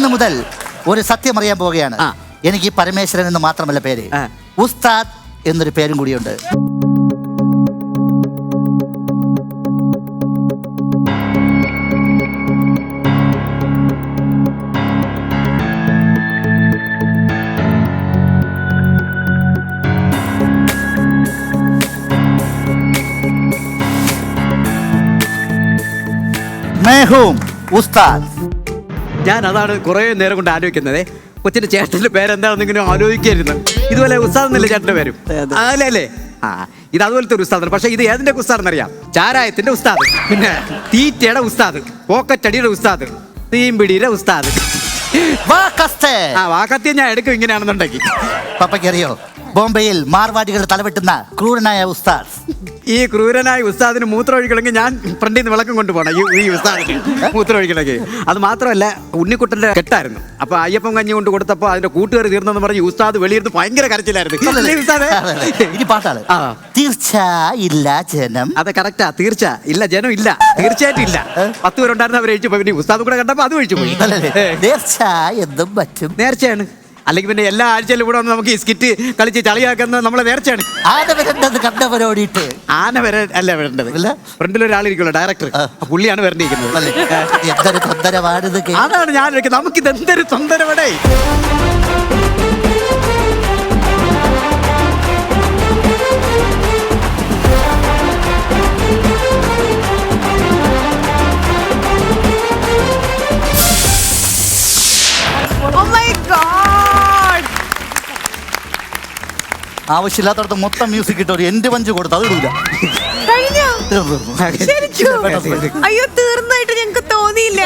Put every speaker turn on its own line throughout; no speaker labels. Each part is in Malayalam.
ഇന്ന് മുതൽ ഒരു സത്യം അറിയാൻ പോവുകയാണ്. എനിക്ക് പരമേശ്വരൻ എന്ന് മാത്രമല്ല പേര്, ഉസ്താദ് എന്നൊരു പേരും കൂടിയുണ്ട്. ഉസ്താദ്.
ഞാൻ അതാണ് കുറെ നേരം കൊണ്ട് ആലോചിക്കുന്നത്. കൊച്ചിന്റെ ചേട്ടന്റെ പേരെന്താണെന്ന് ഇങ്ങനെ ആലോചിക്കായിരുന്നു. ഇതുപോലെ ഉസ്താദ് എന്നല്ലേ ചേട്ടന്റെ പേരും? അല്ലേ? ഇത് അതുപോലത്തെ ഒരു ഉസ്താദാണ്. പക്ഷെ ഇത് ഏതിന്റെ ഉസ്താദ് അറിയാം? ചാരായത്തിന്റെ ഉസ്താദ്, പിന്നെ തീറ്റയുടെ ഉസ്താദ്, പോക്കറ്റടിയുടെ ഉസ്താദ്, തീമ്പിടിയുടെ ഉസ്താദ്. വാക്കത്തിയെ ഞാൻ എടുക്കും ഇങ്ങനെയാണെന്നുണ്ടെങ്കിൽ.
പപ്പയ്ക്കറിയോ, ബോംബെയിൽ മാർവാടികൾ തലവെട്ടുന്ന ക്രൂരനായ ഉസ്താദ്.
ഈ ക്രൂരനായ ഉസ്താദിന് മൂത്രം ഒഴിക്കണമെങ്കിൽ ഞാൻ ഫ്രണ്ടിൽ നിന്ന് വിളക്കം കൊണ്ടുപോകണം ഈ ഉസ്താദിന് മൂത്രം ഒഴിക്കണമെങ്കിൽ. അത് മാത്രമല്ല, ഉണ്ണിക്കുട്ടന്റെ കെട്ടായിരുന്നു. അപ്പൊ അയ്യപ്പം കഞ്ഞി കൊണ്ട് കൊടുത്തപ്പോ അതിന്റെ കൂട്ടുകാർ തീർന്നെന്ന് പറഞ്ഞ് ഉസ്താദ് വെളിയിരുന്ന് ഭയങ്കര കരച്ചിലായിരുന്നു.
പാട്ടാണ് തീർച്ച ഇല്ല ജനം.
അതെ, കറക്റ്റാ. തീർച്ച ഇല്ല ജനം ഇല്ല, തീർച്ചയായിട്ടും ഇല്ല. 10 പേരുണ്ടായിരുന്നു, അവർ ഒഴിച്ചു പോയി. ഉസ്താദ് കൂടെ കണ്ടപ്പോ അത് ഒഴിച്ചു പോയി.
നേർച്ച എന്നും പറ്റും.
നേർച്ചയാണ്. അല്ലെങ്കിൽ പിന്നെ എല്ലാ ആഴ്ചയിലും ഇവിടെ വന്ന് നമുക്ക് ഈ സ്കിറ്റ് കളിച്ച് ചളിയാക്കുന്നത് നമ്മളെ നേർച്ചയാണ്.
ആന വരേണ്ടത് കണ്ടവരോടിയിട്ട്.
ആന വരെ അല്ല വരേണ്ടത്. ഫ്രണ്ടിൽ ഒരാളിരിക്കുമല്ലോ, ഡയറക്ടർ, പുള്ളിയാണ് വരണ്ടിരിക്കുന്നത്.
എന്തൊരു തൊന്തരവാണിത്.
അതാണ് ഞാൻ ചോദിക്കുന്നത്, നമുക്കിത് എന്തൊരു തൊന്തരവടേ.
ആവശ്യമില്ലാത്തടത്ത് മൊത്തം മ്യൂസിക് ഇട്ടോ, എന്റെ പഞ്ച് കൊടുത്ത് അത് ഇടൂല.
അയ്യോ, തീർന്നായിട്ട് ഞങ്ങക്ക് തോന്നിയില്ല.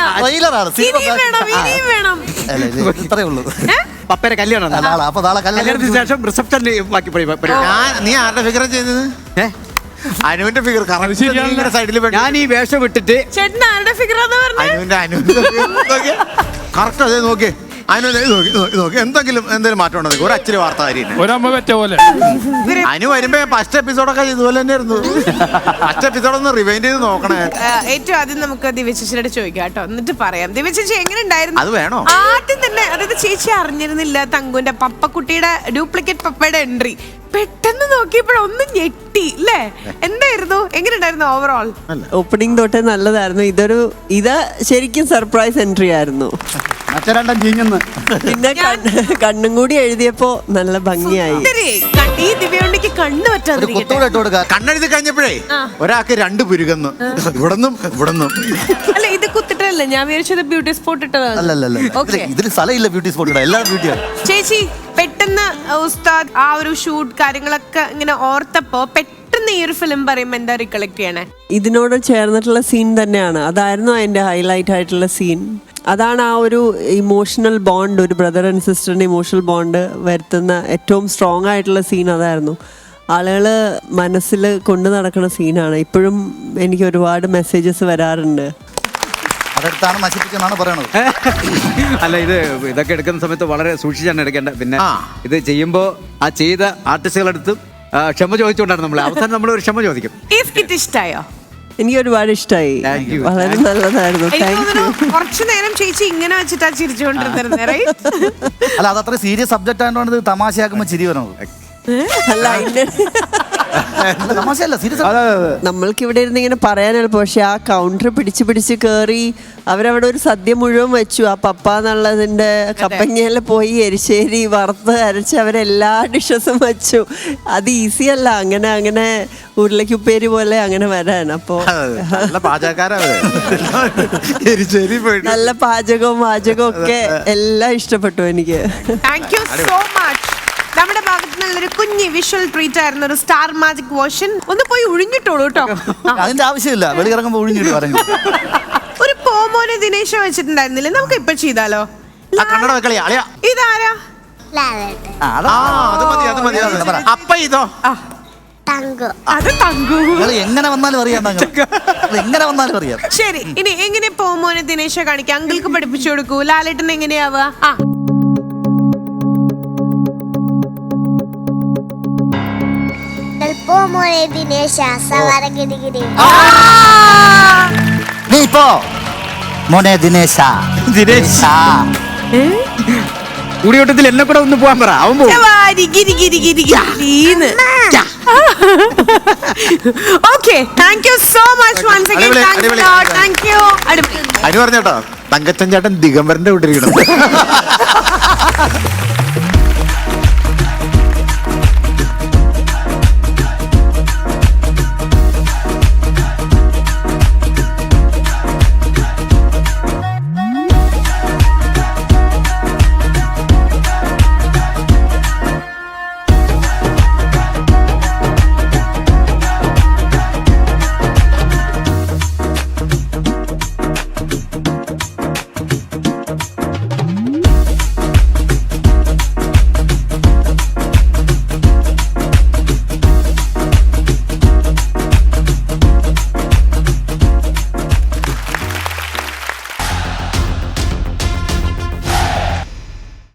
ഇത്രേ ഉള്ളൂ.
പപ്പയുടെ കല്യാണം.
അപ്പൊ നാളെ കല്യാണത്തിന്
ശേഷം റിസപ്ഷൻ ബാക്കി.
നീ ആരുടെ ഫിഗർ ചെയ്തത്? അനുവിന്റെ ഫിഗർ സൈഡിൽ.
ഞാൻ ഈ വേഷം വിട്ടിട്ട്
ചേട്ടൻ ആരുടെ ഫിഗറാന്ന് പറഞ്ഞു?
കറക്റ്റ് അതേ നോക്കിയേ. എന്തെങ്കിലും മാറ്റം ഉണ്ടോ? ഒരു അച്ചിരി വാർത്ത
പോലെ
അനു വരുമ്പോ ഫസ്റ്റ് എപ്പിസോഡൊക്കെ ഇതുപോലെ തന്നെയായിരുന്നു. ഫസ്റ്റ് എപ്പിസോഡ് ഒന്ന് റിവൈൻഡ് ചെയ്ത് നോക്കണേ.
ഏറ്റവും ആദ്യം നമുക്ക് ദിവ്യചേച്ചിയോട് ചോദിക്കാം കേട്ടോ, എന്നിട്ട് പറയാം. ദിവ്യചേച്ചി എങ്ങനെ ഉണ്ടായിരുന്നു?
അത് വേണോ?
ആദ്യം തന്നെ, അതായത് ചേച്ചി അറിഞ്ഞിരുന്നില്ല തങ്കുന്റെ പപ്പക്കുട്ടിയുടെ ഡ്യൂപ്ലിക്കേറ്റ് പപ്പയുടെ എൻട്രി. പെട്ടെന്ന് നോക്കിയപ്പോഴൊന്നും ഞെട്ടി അല്ലേ? എന്തായിരുന്നു, എങ്ങനെ ഉണ്ടായിരുന്നു ഓവറോൾ?
ഓപ്പണിംഗ് തൊട്ടേ നല്ലതായിരുന്നു. ഇത് ശരിക്കും സർപ്രൈസ് എൻട്രി ആയിരുന്നു. പിന്നെ കണ്ണും കൂടി എഴുതിയപ്പോ നല്ല ഭംഗിയായി.
കണ്ണെഴുതി കഴിഞ്ഞപ്പോഴേ ഒരാൾക്ക് 2 പുരുകന്നു, ഇവിടന്നും ഇവിടന്നും.
അല്ല, ഇത് കുത്തിട്ടല്ലേ? ഞാൻ വിചാരിച്ചത് ബ്യൂട്ടി സ്പോട്ട് ഇട്ടതാണ്.
ഇതിൽ സ്ഥലമില്ല ബ്യൂട്ടി സ്പോട്ട്, എല്ലാ ബ്യൂട്ടിയാണ്.
ചേച്ചി, പെട്ടെന്ന് ഉസ്താദ് ആ ഒരു ഷൂട്ട് കാര്യങ്ങളൊക്കെ ഇങ്ങനെ ഓർത്തപ്പോ പെട്ടെന്ന് ഈ ഒരു ഫിലിം പറയുമ്പോ എന്താ റിക്കളക്ട് ചെയ്യണേ?
ഇതിനോട് ചേർന്നിട്ടുള്ള സീൻ തന്നെയാണ്. അതായിരുന്നു അതിന്റെ ഹൈലൈറ്റ് ആയിട്ടുള്ള സീൻ. അതാണ് ആ ഒരു ഇമോഷണൽ ബോണ്ട്, ഒരു ബ്രദർ ആൻഡ് സിസ്റ്ററിന്റെ ഇമോഷണൽ ബോണ്ട് വരുത്തുന്ന ഏറ്റവും സ്ട്രോങ് ആയിട്ടുള്ള സീൻ അതായിരുന്നു. ആളുകൾ മനസ്സിൽ കൊണ്ടു നടക്കുന്ന സീനാണ്. ഇപ്പോഴും എനിക്ക് ഒരുപാട് മെസ്സേജസ് വരാറുണ്ട്.
അല്ല, ഇതൊക്കെ എടുക്കുന്ന സമയത്ത് വളരെ സൂക്ഷിച്ചാണ് എടുക്കേണ്ടത്. പിന്നെ ഇത് ചെയ്യുമ്പോൾ ആ ചെയ്ത ആർട്ടിസ്റ്റുകളെടുത്തും ക്ഷമ ചോദിച്ചുകൊണ്ടാണ് നമ്മൾ അവസാനം നമ്മൾ ഒരു ക്ഷമ ചോദിക്കും.
ഈ സ്കിറ്റ് ഇഷ്ടായോ?
എനിക്ക് ഒരുപാട് ഇഷ്ടമായി, വളരെ നല്ലതായിരുന്നു.
കുറച്ചു നേരം ചേച്ചി ഇങ്ങനെ വെച്ചിട്ടാ ചിരിച്ചുകൊണ്ടിരുന്നത്.
അല്ല, അത് അത്ര സീരിയസ് സബ്ജക്റ്റ് ആയതുകൊണ്ട് ഇത് തമാശയാക്കുമ്പോ ചിരി വരണത്.
അല്ല, നമ്മൾക്ക് ഇവിടെ ഇരുന്ന് ഇങ്ങനെ പറയാൻ എളുപ്പം. പക്ഷെ ആ കൗണ്ടർ പിടിച്ച് കയറി അവരവിടെ ഒരു സദ്യ മുഴുവൻ വെച്ചു. ആ പപ്പ എന്നുള്ളതിന്റെ കപ്പങ്ങയില് പോയി എരിശ്ശേരി വറുത്ത് അരച്ച് അവരെല്ലാ ഡിഷസും വെച്ചു. അത് ഈസി അല്ല അങ്ങനെ ഉരുളക്കുപ്പേരി പോലെ അങ്ങനെ വരാൻ. അപ്പോ നല്ല പാചകവും ഒക്കെ എല്ലാം ഇഷ്ടപ്പെട്ടു എനിക്ക്.
Thank you so much. നമ്മുടെ ഭാഗത്ത് നിന്നുള്ളൊരു കുഞ്ഞി വിഷ്വൽ ട്രീറ്റ് ആയിരുന്നു, ഒരു സ്റ്റാർ മാജിക് വേർഷൻ. ഒന്ന് പോയി ഒഴിഞ്ഞിട്ടോളൂ കേട്ടോ.
അതിന്റെ ആവശ്യമില്ല, വെളിയിറങ്ങുമ്പോ ഒഴിഞ്ഞിട്ട് പറഞ്ഞു.
ഒരു പോമോനെ ദിനേശ വെച്ചിട്ടുണ്ടായിരുന്നില്ലേ? നമുക്ക് ഇപ്പൊ ചെയ്താലോ? ഇതാരാ?
അപ്പ ഇതോ?
അത് തങ്കു.
എങ്ങനെ വന്നാലും അറിയാം, എങ്ങനെ വന്നാലും അറിയാം.
ശരി, ഇനി എങ്ങനെ പോമോനെ ദിനേശ കാണിക്കാം? അങ്കിൾക്ക് പഠിപ്പിച്ചു കൊടുക്കൂ. ലാലേട്ടൻ എങ്ങനെയാവുക?
നീ ഇപ്പോ മോനെ ദിനേശ
കൂടിയോട്ടത്തിൽ എന്നെ കൂടെ ഒന്ന് പോകാൻ പറ, അവൻ പോകും.
Okay, thank you so much once again.
അടിപൊളി,
താങ്ക് യു.
അനു പറഞ്ഞോട്ടോ, തങ്കച്ചൻ ചേട്ടൻ ദിഗംബരന്റെ വീട്ടിലിരിക്കണം.